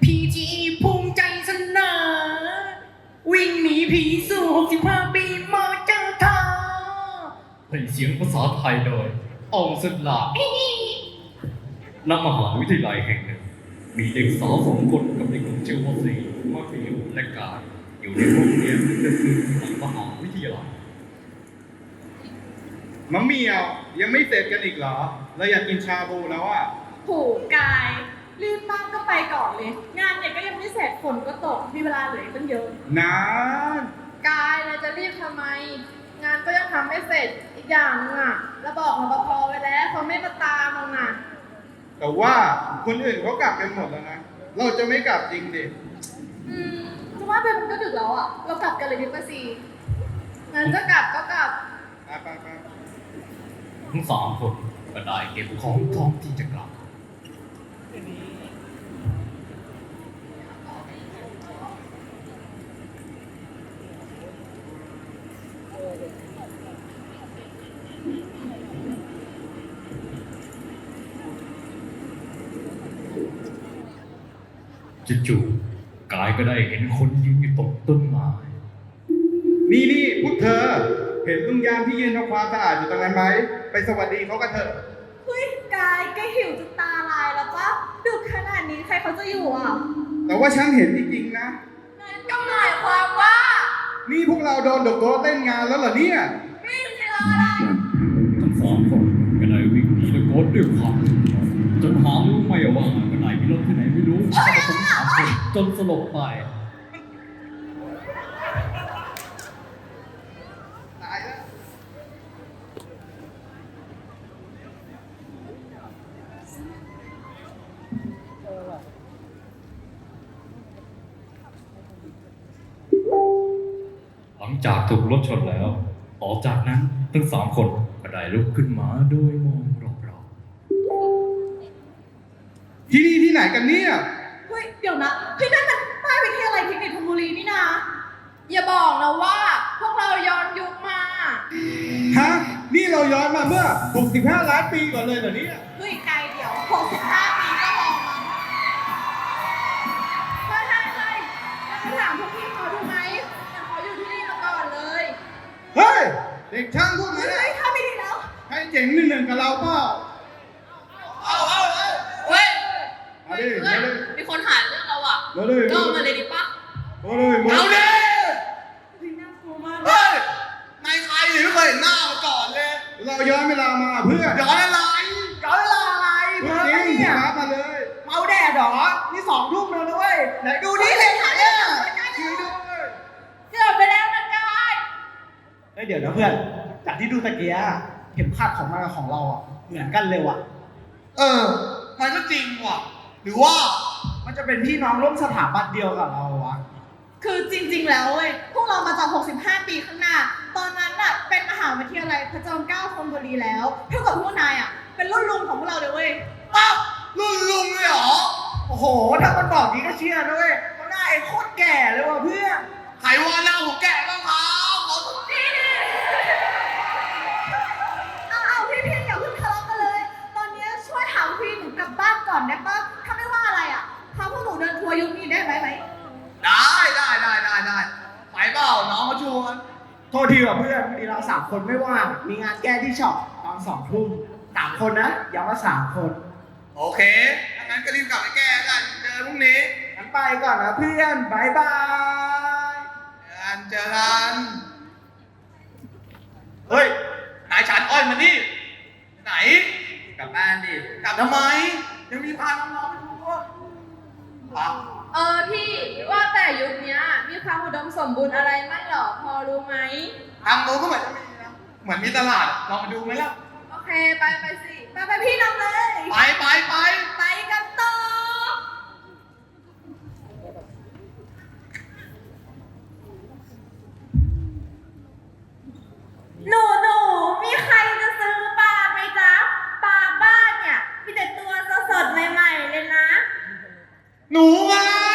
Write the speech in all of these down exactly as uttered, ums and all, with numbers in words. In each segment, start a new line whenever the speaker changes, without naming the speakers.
พีจีภูมิใจเสนอวิ่งหนีผีสู่หกสิบห้าปีมาเจอเธอให้เสียงภาษาไทยโดยอองสุดหลาณมหาวิทยาลัยแห่งหนึ่งมีเด็กสาวสองคนกับเด็กหนุ่มชื่อว่าสีมาฟิวและกายอยู่ในห้องเรียนหนึ่งคืนหลังมหาวิทยาลัย
มะเหมี่ยวยังไม่เสร็จกันอีกเหรอเราอยากกินชาบูแล้วอ่ะ
ผูกกายรีบมากก็ไปก่อนเลย งานเนี่ยก็ยังไม่เสร็จฝนก็ตกมีเวลาเหลืออีกตั้งเยอะ
นาน
กายเราจะรีบทำไม งานก็ยังทำไม่เสร็จอีกอย่างนึงอ่ะเราบอกรปภไว้แล้วเขาไม่มาตามเราน่ะ
แต่ว่าคนอื่นเขากลับกันหมดแล้วนะ เราจะไม่กลับจริงดิ
อืมจะว่าไปมันก็ดึกแล้วอ่ะ เรากลับกันเลยดีกว่าสิงั้นจะกลับก็กลับ
ไปไปไป
ทั้งสามคนก็ได้เก็บของพร้อมที่จะกลับจู่ๆกายก็ได้เห็นคนยืนอยู่ตรงต้นไม้
นี่นี่พวกเธอ เห็นลุงยามที่ยืนทำความสะอาดอยู่ตรงนั้นไหม ไปสวัสดีเขากันเถอะ
เฮ้ยกายแกหิวจนตาลายแล้วปะดึกขนาดนี้ใครเขาจะอยู่อ่ะ
แต่ว่าฉันเห็นจริงๆนะ
นั่นก็หมายความว่า
นี่พวกเราโดนดกโต๊ะเต้นงานแล้วเหรอเนี่ย
วิ่งไปรออะไร
ทั้งสามคนก็ได้วิ่งหนีตะโกนด้วยความจนหารู้ไม่ว่าก็ได้มีรถที่ไหนไม่รู้ก็มาทั้งสามคนจนสลบไป
ตายแล้ว
หลังจากถูกรถชนแล้ว ต่อจากนั้นทั้งสามคนก็ได้ลุกขึ้นมาโดยมองรอบ
ที่นี่ที่ไหนกันเนี่ย
เฮ้ยเดี๋ยวนะเฮ้ยนั่นมันป้ายวิทยาลัยเทคนิคธนบุรีนี่นา
อย่าบอกนะว่า พวกเราย้อนยุคมา
ฮะ นี่เราย้อนมาเมื่อ หกสิบห้า ล้านปีก่อนเลยเหรอเนี่ย
เฮ้ยไกลเดี๋ยวหกสิบห้าปีก็มองมั้ง
ใช่ใช่ใช่แล้วไปถามพวกพี่เขาดูไหมแต่เขาอยู่ที่นี่มาก่อนเลย
เฮ้ย เด็กช่างพวกนั้น
เฮ้
อะ
ยถ้าไม่ดีแล้ว
ให้เจ๋งหนึ่งหนึ่งกับเราเปล่า
เอาเอาเอาเฮ้ย
มาดิมาดิ
มีคนหาเรื่องเราอ่ะ
มาเลย
ก็มาเลยดิปะ
มาเลยมา
เอา
เล
ดิ
ย
เฮ้ยน่ากลัวมาก
เฮ้ยนายใครหรือไม่เคยเห็นหน้ามาก่อนเลย
เราย้อนเวลามาเพื่อ
ย้อนอะไร
ย้อนเวลาอะไร
เพื่
เพื่
อ
อน
จริง
เนี่ย
ครับมาเลย
เมาแดดเหรอ นี่สองทุ่มแล้วนะเว้ย ไหนดูนี่เลยถ่ายเนี่ย
ช่วยด้วย
เกือบไปแล้วนะกาย
เฮ้ยเดี๋ยวนะเพื่อน จากที่ดูตะเกียะเข็มขัดของมันกับของเราอ่ะ เหมือนกันเลยว่ะ
เออ มันก็จริงว่ะ หรือว่า
มันจะเป็นพี่น้องร่วมสถาบันเดียวกับเราวะ
คือจริงๆแล้วเว้ยพวกเรามาจากหกสิบห้าปีข้างหน้า ตอนนั้นน่ะเป็นมหาวิทยาลัยพระจอมเกล้าธนบุรีแล้วเท่ากับพวกนายอ่ะเป็นรุ่นลุงของพวกเราเลยเว้ย
อ้าวรุ่นลุงเลยเหรอ
โอ้โห ถ้ามันบอกนี้ก็เชื่อนะเว้ยเพราะหน้าเองโคตรแก่เลยว่ะเพื่อน
ใครว่าหน้าผมแก่บ้างครับขอสักที
เอาเอาพี่พี่อย่าเพิ่งทะเลาะกันเลย ตอนนี้ช่วยถามพี่หนูกลับบ้านก่อนได้ปะถ้าไม่ว่าอะไรอ่ะพาพวกหนูเดินทัวร์ยุคนี้ได้ไหมไหม
ได้ได้ได้ได้ได้ไปเปล่าน้องมาชวน
โทษทีว่ะเพื่อนมีเราสามคนไม่ว่าง มีงานแก้ที่ช็อปตอนสองทุ่มสามคนนะย้ำว่าสามคน
โอเคถ้างั้นก็รีบกลับไปแก้กัน เจอพรุ่งนี้
งั้นไปก่อนนะเพื่อนบายบาย
เจอกันเจอกันเฮ้ย นายฉันอ้อยมานี่ ไหน กลับบ้านดิ กลับทำไม ยังมีพาน้องๆไปดูด้วยอ่ะ
เออพี่ว่าแต่ยุคเนี้ยมีความอุดมสมบูรณ์อะไรไหมหรอพอรู้ไหม
ทางโน้นก็เหมือนจะมีนะ เหมือนมีตลาดอะลองมาดูไหมล่ะ
โอเคไปไปสิ
ไปไปพี่นำเลย
ไปไปไป
ไปกันต่อ หนูหนูมีใครจะซื้อปลาไหมจ๊ะปลาบ้านเนี่ยมีแต่ตัวสดๆใหม่ๆเลยนะ
หนูไง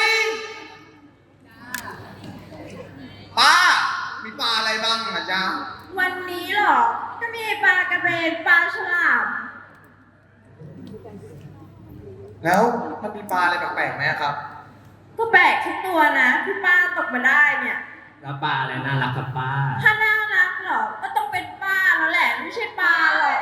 ป้า มีปลาอะไรบ้างอ่ะจ๊ะ
วันนี้เหรอก็มีปลากระเบนปลาฉลาม
แล้วมันมีปลาอะไรแปลกๆไหมครับ
ก็แปลกทุกตัวนะที่ป้าตกมาได้เนี่ย
แล้วปลาอะไรน่ารักครับป้า
ถ้าน่ารักเหรอ ก็ต้องเป็นป้าแล้วแหละ ไม่ใช่ปลาหรอก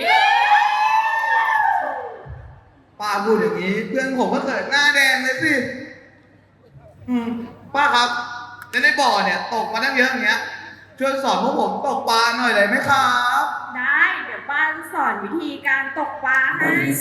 ป้าพูดอย่างนี้ เพื่อนผมก็เกิดหน้าแดงเลยสิอืมป้าครับแล้วในบ่อเนี่ยตกมาตั้งเยอะอย่างเงี้ยช่วยสอนพวกผมตกปลาหน่อยได้ไหมครับ
ได้ เดี๋ยวป้าจะสอนวิธีการตกปลาให้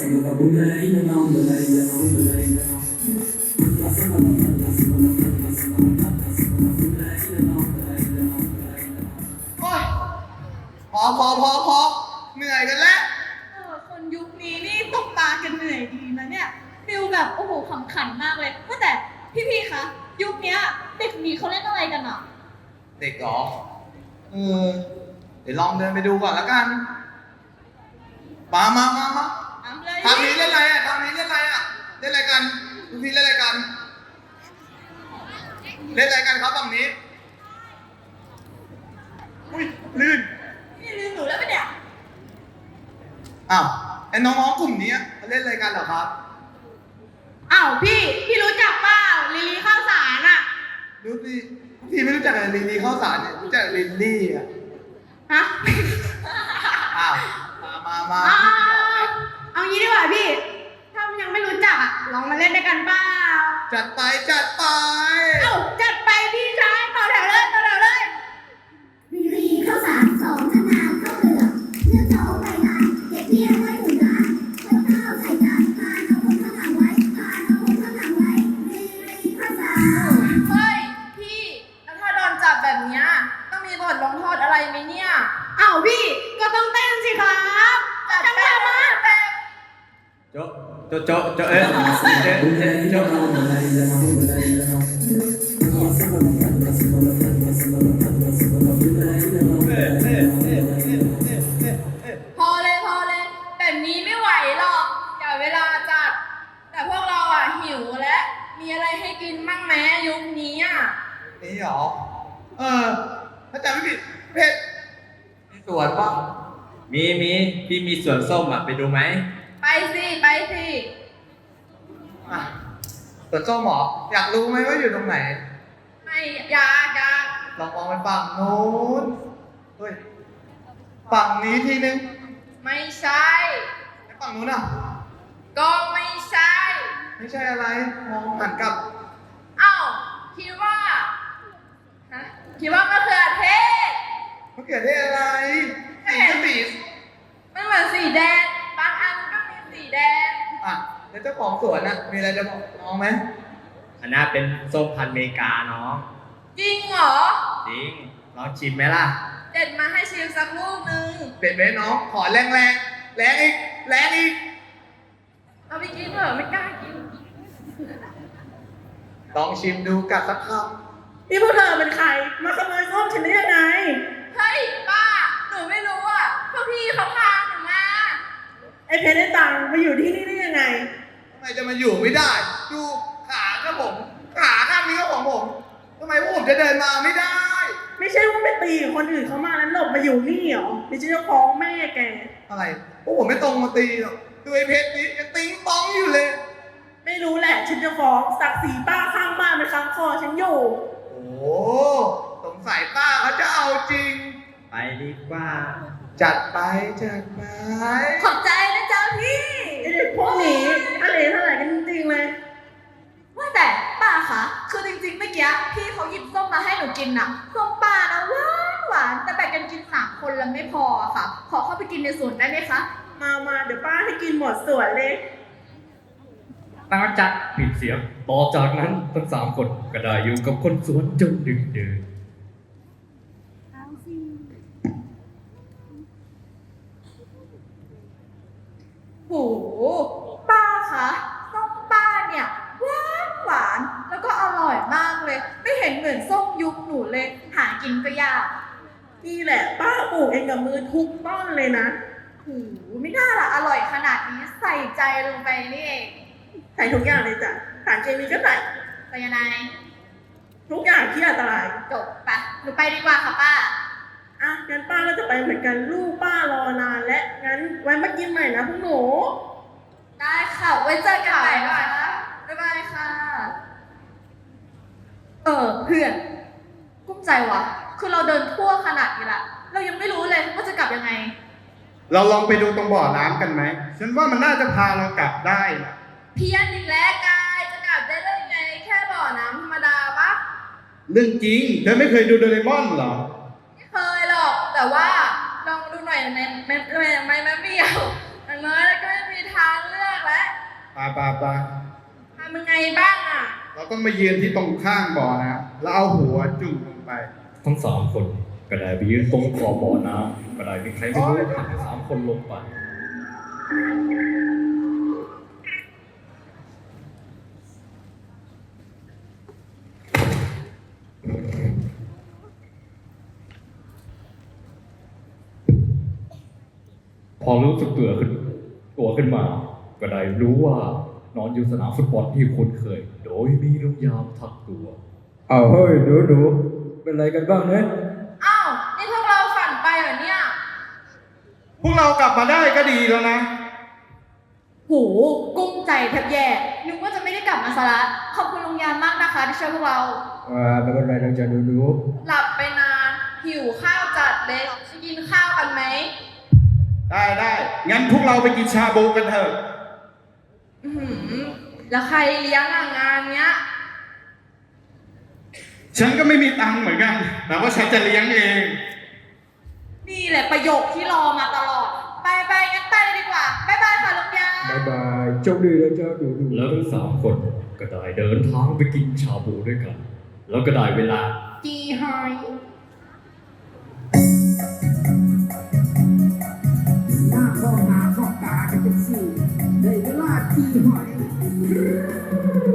โอ๊ยพอพอพอพอเหนื่อยกันแล้ว
เออคนยุคนี้นี่ตกปลากันเหนื่อยดีนะเนี่ยฟิลแบบโอ้โหขำขันมากเลยว่าแต่พี่ๆคะยุคเนี้ยเด็กนี้เขาเล่นอะไรกันอ่ะ
เด็กเหรอเออเดี๋ยวลองเดินไปดูก่อนแล้วกันมามามามา
ทำเลย
ทางนี้เล่นอะไรอ่ะทางนี้เล่นอะไรอ่ะเล่นอะไรกันทุกทีเล่นอะไรกัน เล่นอะไรกันครับฝั่งนี้อุ้ยลื่น
นี่ลืมหนูแล้วปะเนี่ย
อ้าวไอ้น้องๆกลุ่มนี้เขาเล่นอะไรกันเหรอครับ
อ้าวพี่ พี่รู้จักเปล่าลิลีข้าวสารอ่ะ
รู้สิพี่ไม่รู้จักอะไรลินลี่ข้าวสารเนี่ยรู้จักลินลี่อ่ะ
ฮะ
อ้าวมามามา
เอาเอางี้ดีกว่าพี่ ถ้ายังไม่รู้จักอ่ะ ลองมาเล่นด้วยกันเปล่า
จัดไปจัดไป
เอ้าจัดไปพี่ชายต่อแถวเลยต่อแถวเลย
รีรีข้าวสารสองมะนาวข้าวเปลือกเลือกเจ้าไปร้านเก็บเบี้ยไว้ถุงร้านข้าวข้าวใส่จานทานเอาคนข้างหลังไว้ทานเอาคนข้างหลังไว้รีรีข้าวสาร
เฮ้ย พี่ แล้วถ้าโดนจับแบบเนี้ยต้องมีบทลงโทษอะไรไหมเนี่ย
เอ้าพี่ก็ต้องเต้นสิครับจังหวะมาแบบ
โจะโจะโจะโจะเอ๊ะเอ๊ะเอ๊ะโจะ
พอเลยพอเลย แบบนี้ไม่ไหวหรอกอย่าเวลาจัด แต่พวกเราอ่ะหิวและมีอะไรให้กินบ้างไหมยุคนี้อ่ะ
นี่เหรอ เออ ถ้าจำไม่ผิดเพชรมีสวนป่ะ
มีมีพี่มีสวนส้มอ่ะไปดูไหม
ไปสิไปสิ
อ่ะสวนส้มเหรอ อยากรู้ไหมว่าอยู่ตรงไหน
ไม่อยากอยาก
ลองมองไปฝั่งโน้น เฮ้ย ฝั่งนี้ทีนึง
ไม่ใช่
แล้วฝั่งนู้นอ่ะ
ก็ไม่ใช่
ไม่ใช่อะไร มองหันกลับ
เอ้าคิดว่าฮะคิดว่ามะเขือเทศ
มะเขือเทศอะไรสีก็สี
มันเหมือนสีแดง บางอันก็มีสีแดง
อ่ะ แล้วเจ้าของสวนอ่ะ มีอะไรจะบอกน้องไหม
อันนั้นเป็นส้มพันธุ์อเมริกาน้อง
จริงเหรอ
จริงลองชิมไหมล่ะ
เด็ดมาให้ชิมสักลูกหนึ่ง
เด็ดไหมน้อง ขอแรงแรงแรงอีก แรงอีก
เอาไปกินเหรอไม่กล้ากิน
ลองชิมดูกัดสักค
นี่พวกเธอเป็นใคร มาขโมยส้มฉันได้ยังไง
เฮ้ยป้า หนูไม่รู้อ่ะพวกพี่เขาพาหนูมา
ไอ้เพชรไอ้ตังมาอยู่ที่นี่ได้ยังไง
ำทำไมจะมาอยู่ไม่ได้ ดูขาก็ผม ขาข้างนี้ก็ของผมทำไมพวกผมจะเดินมาไม่ได้
ไม่ใช่ว่าไปตีคนอื่นเขามาแล้วหลบมาอยู่นี่เหรอนี่ฉันจะฟ้องแม่แก
อะไร พวกผมไม่ตรงมาตีหรอกดูไอ้เพชรนี้ยังติ้งป้องอยู่เลย
ไม่รู้แหละ ฉันจะฟ้องศักดิ์ศรีป้าข้างบ้านเป็นค้างคอฉันอยู่
โอ้สงสัยป้าเขาจะเอาจริง
ไปดีกว่า
จัดไปจัดไป
ขอบใจนะจ๊ะพี่ไอ้เด็กพวกนี้อะไรเท่าไหร่กันจริงๆเลย ว่าแต่ป้าคะคือจริงๆเมื่อกี้พี่เขาหยิบส้มมาให้หนูกินน่ะส้มป้านะหวานหวานแต่แบ่งกันกินสามคนแล้วไม่พออะค่ะ ขอเข้าไปกินในสวนได้ไหมคะ มามาเดี๋ยวป้าให้กินหมดสวนเลย
ตั้งจัดปิดเสียง ต่อจากนั้นทั้งสามคนก็ได้อยู่กับคนสวนจนดึกเดิน
โหป้าคะส้มป้าเนี่ยหวานหวานแล้วก็อร่อยมากเลย ไม่เห็นเหมือนส้มยุคหนูเลย หากินก็ยากนี่แหละ ป้าปลูกเองกับมือทุกต้นเลยนะโหไม่น่าละอร่อยขนาดนี้ใส่ใจลงไปนี่เองใส่ทุกอย่างเลยจ้ะสารเคมีก็ใส่ใส่ยังไงทุกอย่างที่อันตรายจบปะหนูไปดีกว่าค่ะป้าอ่ะงั้นป้าก็จะไปเหมือนกันลูกป้ารอนานและงั้นไว้มากินใหม่นะพวกหนู ได้ค่ะ ไว้เจอกันใหม่นะคะบ๊ายบายค่ะเออเพื่อนกุ้มใจวะคือเราเดินทั่วขนาดนี้ละเรายังไม่รู้เลยว่าจะกลับยังไง
เราลองไปดูตรงบ่อน้ำกันไหม ฉันว่ามันน่าจะพาเรากลับได้นะ
เพี้ยนอีกแล้วกายจะกลับได้ได้ไงแค่บ่อน้ำธรรมดาปะ
เรื่องจริง เธอไม่เคยดูโดเรมอนเหรอ
ไม่เคยหรอก แต่ว่าลองดูหน่อยในในในในแม่เบี้ยวอย่างน้อยแล้วก็ไม่มีทางเลือกแล้ว
ปาปาปา
ทำยังไงบ้างอ่ะ
เราต้องมายืนที่ตรงข้างบ่อนะแล้วเอาหัวจุ่มลงไป
ทั้งสามคนก็ได้ไปยืนตรงขอบบ่อน้ำก็ได้มีใครไม่รู้ผลักทั้งสามคนลงไป พอรู้สึกตัวขึ้นตัวขึ้นมา ก็ได้รู้ว่านอนอยู่สนามฟุตบอลที่คุ้นเคย โดยมีลุงยามทักตัว
เอาเฮ้ยหนูหนูเป็นไรกันบ้างเนี่ย
อ้าว นี่พวกเราฝันไปเหรอเนี่ย
พวกเรากลับมาได้ก็ดีแล้วนะ
โหกุ้มใจแทบแย่นึกว่าจะไม่ได้กลับมาซะละขอบคุณลุงยามมากนะคะที่ช่วยพวกเรา
ว่าไม่เป็นไรเราจะหนูหนู
หลับไปนาน หิวข้าวจัดเลยจะกินข้าวกันไหม
ได้ได้ งั้นพวกเราไปกินชาบูกันเถอะ
อื้อหือแล้วใครเลี้ยงอ่ะงานเนี้ย
ฉันก็ไม่มีตังค์เหมือนกัน แต่ว่าฉันจะเลี้ยงเอง
นี่แหละประโยคที่รอมาตลอด ไปไปงั้นไปเลยดีกว่า บ๊ายบายค่ะลุงยาม
บายบายโชคดีนะจ๊ะหนูหนู
แล้วทั้งสามคนก็ได้เดินทางไปกินชาบูด้วยกัน แล้วก็ได้เวลาจีไฮ
หน้าข้อหน้าข้อตากันเป็นสี่ในเวลาที่หอย